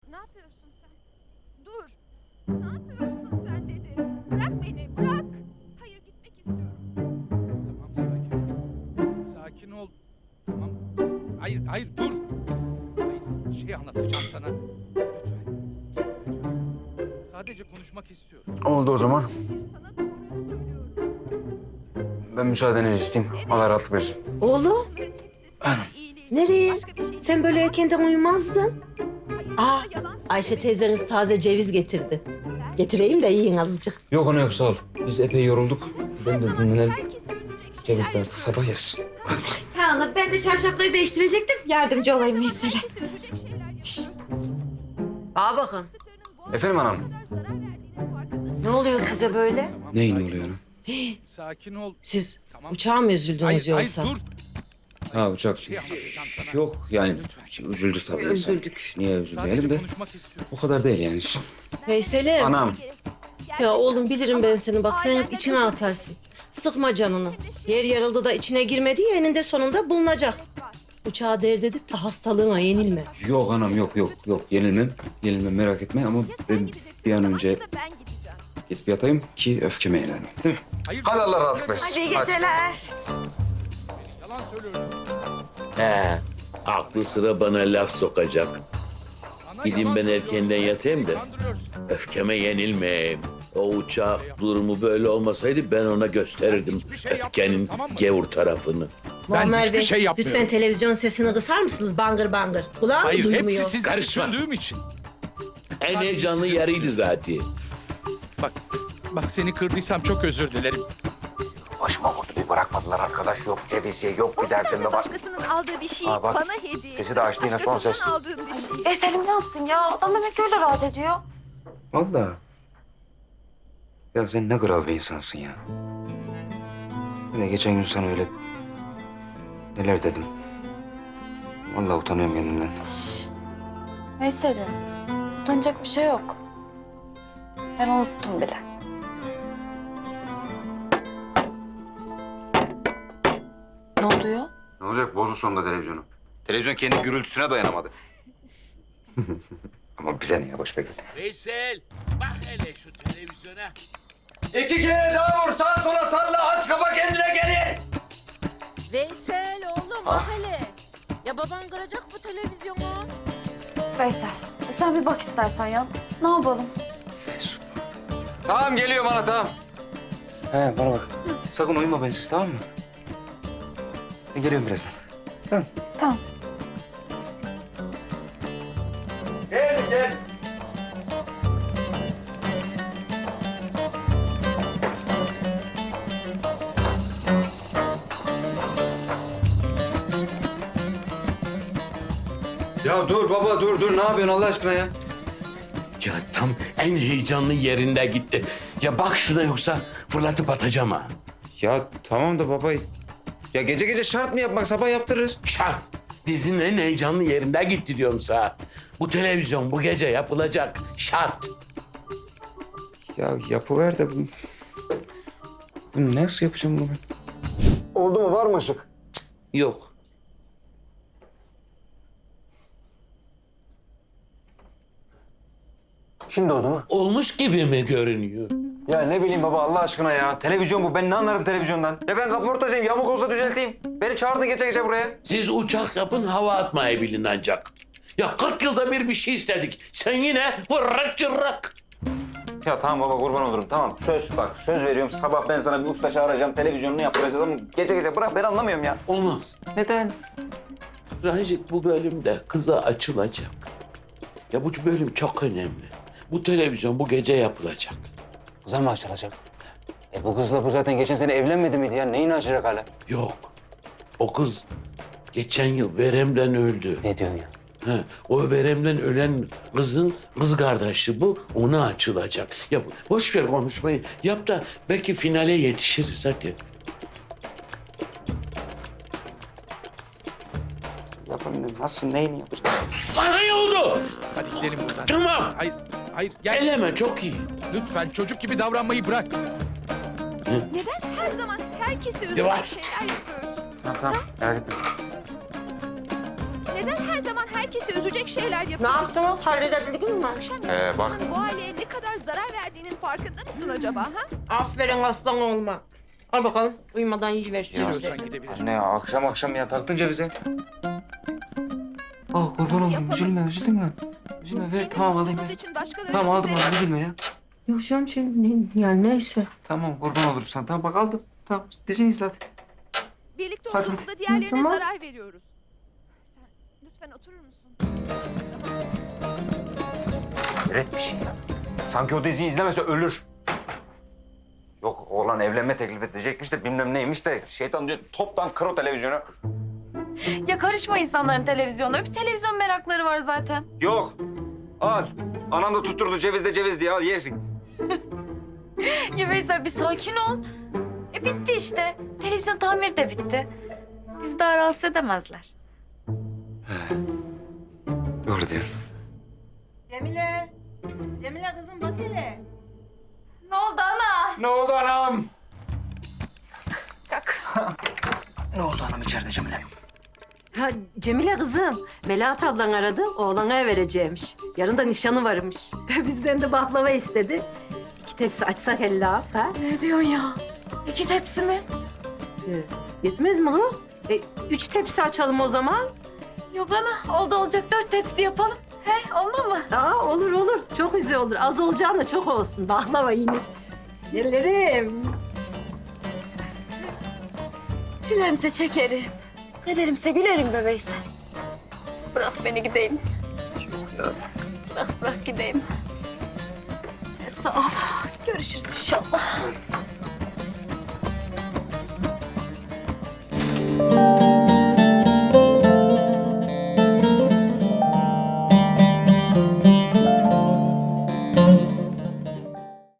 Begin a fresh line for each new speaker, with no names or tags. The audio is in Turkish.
Ne yapıyorsun sen? Dur. Ne yapıyorsun sen dedim. Bırak beni, bırak. Hayır, gitmek istiyorum.
Tamam, sakin. Sakin ol. Tamam. Hayır, hayır, dur. Hayır, şey anlatacağım sana. Lütfen. Sadece konuşmak istiyorum.
Oldu o zaman.
Hayır, sana doğruyu söylüyorum.
Ben müsaadenizi isteyeyim. Allah rahatlık versin.
Oğlum,
Bunların hepsi senin iyiliğin.
nereye?
Başka bir şey
Sen böyle erkenden uyumazdın.
Hayır,
Aa,
sana yalan
Ayşe
söylemek
teyzeniz taze ceviz getirdi. Getireyim de yiyin azıcık.
Yok ana yok sağ ol. Biz epey yorulduk. Ben de dinlenelim.
herkesi üzecek
Ceviz
şeyler
de artık sabah yesin.
Ha ana ben de çarşafları değiştirecektim. Yardımcı olayım Veysel'e.
Herkesi üzecek şeyler yapıyorsun.
Aa bakın.
Bu
Efendim anam?
kadar zarar verdiğinin farkındasın.
Ne oluyor size böyle?
Tamam,
Neyin
sakin
oluyor
ol.
ana?
Sakin ol.
Siz
Tamam.
uçağa mı üzüldünüz
Hayır,
yoksa?
hayır, dur.
Ha uçak.
Şey anlatacağım sana.
Yok yani
Lütfen.
üzüldük tabii.
Üzüldük.
Niye
Sadece
üzülmeyelim de
konuşmak istiyorum.
o kadar değil yani.
Veysel'im.
Anam.
Ya oğlum bilirim ben seni. Bak sen hep içine atarsın. Sıkma canını. Yer yarıldı da içine girmedi ya eninde sonunda bulunacak. Uçağa dert edip de hastalığına yenilme.
Yok anam yok yenilmem. Yenilmem merak etme ama ben bir an önce
Ben gideceğim.
gidip yatayım ki öfkeme yenelim. Değil mi?
Hayır,
Hadi Allah rahatlık versin.
Hadi iyi geceler.
yalan söylüyorsun.
He, aklı sıra bana laf sokacak.
Bana
Gideyim
yalan
ben
söylüyorsun.
erkenden yatayım da
Kandırıyorsun.
öfkeme yenilmeyeyim. O uçak durumu böyle olmasaydı ben ona gösterirdim
hiçbir şey
öfkenin
yapmıyorum, tamam mı?
gevur tarafını.
Muammer
hiçbir
Bey,
şey yapmıyorum.
lütfen televizyon sesini kısar mısınız? Bangır bangır. Kulağım
Hayır,
duymuyor.
hepsi sizi
Karışma.
düşündüğüm için.
En heyecanlı yarıydı zaten.
Bak seni kırdıysam çok özür dilerim.
Başıma vurdu bir bırakmadılar arkadaş. Yok ceviz ye, yok bir
O yüzden
derdim
de
de var.
başkasının aldığı bir şey
Aa, bak.
bana hediye.
Sesi de açtı yine, son ses.
Başkasından aldığın bir şey.
Veysel'im ne yapsın ya? Adam demek öyle rahat ediyor.
Vallahi. Ya sen ne kral bir insansın ya. Bir de geçen gün sana öyle neler dedim. Vallahi utanıyorum kendimden.
Şşş. Veysel'im, utanacak bir şey yok. Ben unuttum bile. Ne oluyor?
Ne olacak? Bozdu sonunda televizyonu. Televizyon kendi gürültüsüne dayanamadı. Ama bize ne ya? Boş ver.
Veysel, bak hele şu televizyona.
2 kere daha vur. Sağa sola salla. Aç kapa kendine gelin.
Veysel oğlum bak hele. Ya baban kıracak bu televizyonu.
Veysel, sen bir bak istersen ya. Ne yapalım?
Tamam geliyorum ana tamam. He bana bak. Sakın uyuma bensiz tamam mı? Ben geliyorum birazdan. Tamam.
Tamam.
Gel. Ya dur baba dur ne yapıyorsun Allah aşkına ya?
Ya tam en heyecanlı yerinde gitti. Ya bak şuna yoksa fırlatıp atacağım ha.
Ya tamam da baba. Ya gece şart mı yapmak? Sabah yaptırırız.
Şart. Dizinin en heyecanlı yerinde gitti diyorum sana. Bu televizyon bu gece yapılacak. Şart.
Ya yapıver de bunu. Bunu nasıl yapacağım bunu ben? Oldu mu? Var mı ışık?
Yok.
Şimdi oldu mu?
Olmuş gibi mi görünüyor?
Ya ne bileyim baba Allah aşkına ya. Televizyon bu. Ben ne anlarım televizyondan? Ya ben kaportacıyım. Yamuk olsa düzelteyim. Beni çağırdın gece buraya.
Siz uçak yapın hava atmayı bilin ancak. Ya 40 yılda bir şey istedik. Sen yine vırrak cırrak.
Ya tamam baba kurban olurum. Tamam söz bak söz veriyorum. Sabah ben sana bir usta çağıracağım. Televizyonunu yaptıracağız ama gece bırak ben anlamıyorum ya.
Olmaz.
Neden?
Ranjit bu bölümde kıza açılacak. Ya bu bölüm çok önemli. Bu televizyon bu gece yapılacak.
Kıza mı açılacak? Bu kızla bu zaten geçen sene evlenmedi miydi ya? Neyini açacak hala?
Yok. O kız geçen yıl veremden öldü.
Ne diyorsun ya?
He, o veremden ölen kızın kız kardeşi bu. Ona açılacak. Ya boş ver konuşmayı. Yap da belki finale yetişiriz hadi.
Yapamıyorum. Nasıl neyini yapacağım?
Bana iyi oldu.
Hadi gidelim buradan.
Tamam.
Hayır gel.
Eleme çok iyi.
Lütfen çocuk gibi davranmayı bırak.
Neden her zaman herkesi üzecek
Yavaş.
şeyler yapıyorsun?
Tamam. Evet.
Neden her zaman herkesi herkesi üzecek şeyler
Ne
yapıyorsun.
yaptınız? Halledebildiniz mi?
Akşam
bak.
bu aileye ne kadar zarar verdiğinin farkında mısın acaba? Ha?
Aferin aslan olma. Al bakalım. Uyumadan yiyiver şu
Ya
cevizleri.
Sen gidebilirsin.
Anne ya akşam ya taktın cevize. Ah kurban olayım üzülme. Üzülme ver tamam alayım.
Bunun için başkalarının
Tamam aldım
üzerine-
aldım üzülme ya.
Yok canım yani neyse.
Tamam kurban olurum sana. Tamam bak aldım. Tamam dizini izle hadi.
Birlikte
Hadi.
olduğumuzda diğerlerine
Tamam.
zarar veriyoruz. Sen lütfen oturur musun?
Hayret bir şey ya. Sanki o diziyi izlemese ölür. Yok oğlan evlenme teklif edecekmiş de bilmem neymiş de şeytan diyor toptan kır o televizyonu.
Ya karışma insanların televizyonuna. Bir televizyon merakları var zaten.
Yok. Al. Anam da tutturdu ceviz diye al yersin.
Ya Veysel bir sakin ol. Bitti işte. Televizyon tamiri de bitti. Bizi daha rahatsız edemezler.
Doğru diyorsun.
Cemile kızım bak hele.
Ne oldu ana?
Ne oldu anam?
Kalk.
Ne oldu anam içeride Cemile?
Ha Cemile kızım, Melahat ablan aradı, oğlana vereceğimiş. Yarın da nişanı varmış. Bizden de baklava istedi. 2 tepsi açsak ella, ha?
Ne diyorsun ya? 2 tepsi mi?
Yetmez mi ha? 3 tepsi açalım o zaman.
Yok ana. Oldu olacak 4 tepsi yapalım. He olma mı?
Aa olur. Çok güzel olur. Az olacağına çok olsun. Baklava yenir. Yerlerim.
Çilemse çekerim. Kederimse gülerim be Veysel. Bırak beni gideyim. Bırak gideyim. Sağ ol. Görüşürüz inşallah.